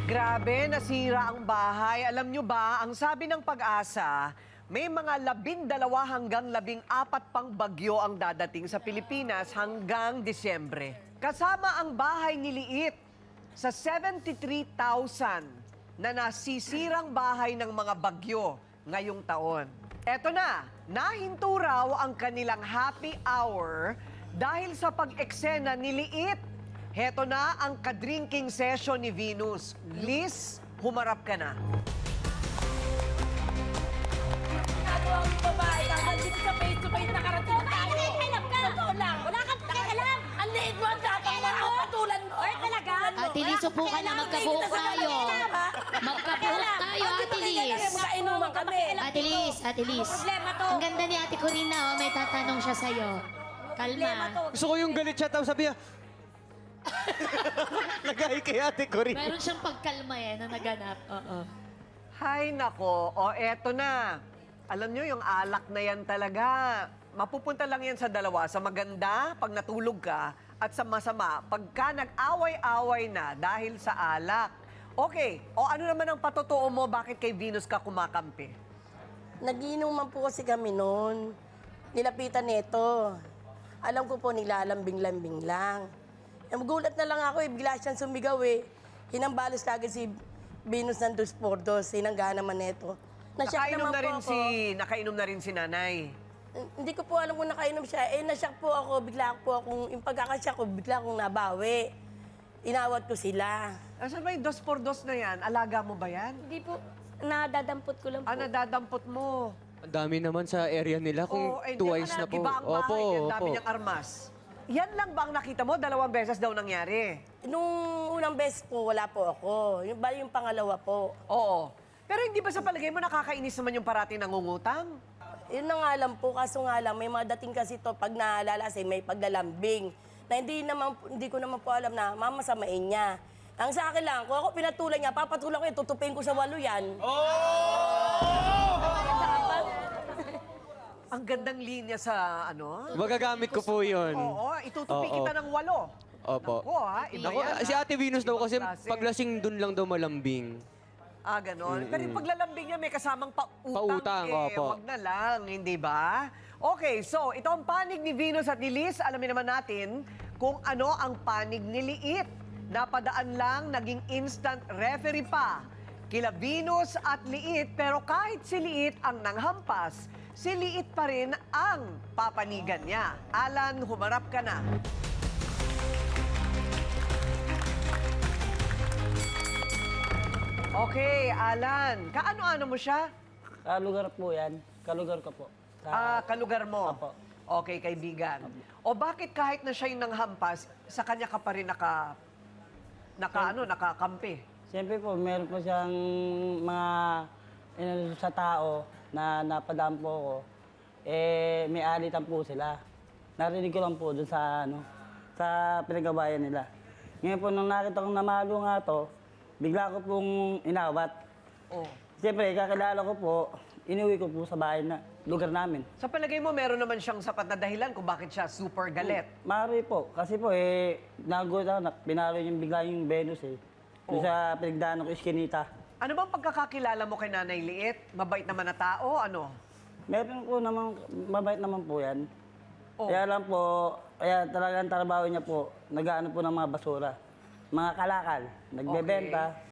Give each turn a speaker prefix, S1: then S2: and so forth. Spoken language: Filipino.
S1: Grabe, nasira ang bahay. Alam nyo ba, ang sabi ng Pag-asa, may mga 12 hanggang 14 pang bagyo ang dadating sa Pilipinas hanggang Disyembre. Kasama ang bahay ni Liit sa 73,000 na nasisirang bahay ng mga bagyo ngayong taon. Eto na, nahinto raw ang kanilang happy hour dahil sa pag-eksena ni Liit. Heto na ang kadrinking session ni Venus. Liz, humarap ka na.
S2: Ginagawa mo babae ka, nandito sa face-to-face nakarating tayo.
S3: Alam ka!
S2: Totoo lang.
S3: Wala kang pakialam!
S2: Ang liit mo, ang tapang mo, ang patulan mo.
S3: Or talaga?
S4: Ate Liz, upo ka na, magkabuhok tayo. Magkabuhok tayo, Ate Liz.
S2: Magkainuman kami.
S4: Ate Liz, Ate Liz.
S3: Problema to.
S4: Ang ganda ni Ate Corina, oh, may tatanong siya sa'yo.
S3: Problema to.
S4: Kalma.
S5: Gusto ko yung galit siya, tapos sabi niya, nagay kay Ate Corinne.
S4: Meron siyang pagkalma na naganap. Oo.
S1: Hay nako, o eto na. Alam nyo, yung alak na yan talaga, mapupunta lang yan sa dalawa. Sa maganda, pag natulog ka, at sa masama, pagka nag-away-away na dahil sa alak. Okay, o ano naman ang patotoo mo, bakit kay Venus ka kumakampi?
S2: Nagiinuman po kasi kami noon. Nilapitan nito. Alam ko po, nilalambing-lambing lang. Magulat na lang ako bigla siyang sumigaw Hinambalos kagad si Venus ng 2x2, sinangga naman nito. Nasyak
S1: Nakainom
S2: naman
S1: na
S2: po
S1: rin
S2: ako.
S1: nakainom na rin si nanay.
S2: Hindi ko po alam kung nakainom siya. Nasyak po ako, bigla po akong, yung pagkakasyak ko, bigla akong nabawi. Inawat ko sila.
S1: Asan ba yung 2x2 na yan? Alaga mo ba yan?
S3: Hindi po, nadadampot ko lang po.
S1: Nadadampot mo.
S5: Ang dami naman sa area nila kung twice na po.
S1: Iba ang bahay, ang dami niyang armas. Yan lang ba ang nakita mo? 2 beses daw nangyari.
S2: Nung unang beses po, wala po ako. Bali yung pangalawa po.
S1: Oo. Pero hindi ba sa palagay mo nakakainis naman yung parating nangungutang?
S2: Yun na nga lang po, kaso nga lang, may mga dating kasi to pag nalalasing, may paglalambing. Na hindi ko naman po alam na mamasamain niya. Ang sa akin lang, kung ako pinatulan niya, papatulan ko yan, tutupin ko sa walo yan.
S1: Ang gandang linya sa ano?
S5: Magagamit ko po yun.
S1: Oo, itutupi
S5: Oo.
S1: kita ng 8.
S5: Opo.
S1: Nako ha, iba
S5: Ako,
S1: yan,
S5: si
S1: ha?
S5: Ate Venus daw kasi
S1: Ibang klase.
S5: paglasing dun lang daw malambing.
S1: Ah, ganon. Pero yung paglalambing niya may kasamang pautang.
S5: Pautang, opo.
S1: Wag na lang, hindi ba? Okay, so ito ang panig ni Venus at ni Liz. Alamin naman natin kung ano ang panig ni Liit. Napadaan lang, naging instant referee pa. Kila Venus at Liit, pero kahit si Liit ang nanghampas, si Liit pa rin ang papanigan niya. Alan, humarap ka na. Okay, Alan. Kaano-ano mo siya?
S6: Kalugar po yan. Kalugar ko po.
S1: Kalugar mo?
S6: Apo.
S1: Okay, kaibigan. O bakit kahit na siya yung nanghampas, sa kanya ka pa rin nakakampi?
S6: Siyempre po, meron po siyang mga sa tao na napadaan po ko. May alitan po sila. Narinig ko lang po dun sa, sa pinagabayan nila. Ngayon po, nung nakita kong namalo nga to, bigla ko pong inawat.
S1: Oh.
S6: Siyempre, kakilala ko po, inuwi ko po sa bahay na lugar namin.
S1: Sa palagay mo, meron naman siyang sapat na dahilan kung bakit siya super galit.
S6: Maaari po. Kasi po, nagulat ako, pinalo yung bigla yung Venus Doon sa pinagdaan ko, Iskinita.
S1: Ano bang pagkakakilala mo kay Nanay Liit? Mabait naman na tao? Ano?
S6: Meron po naman, mabait naman po yan.
S1: Oh.
S6: Kaya lang po, kaya talagang trabaho niya po, nag-aano po ng mga basura. Mga kalakal, nagbebenta.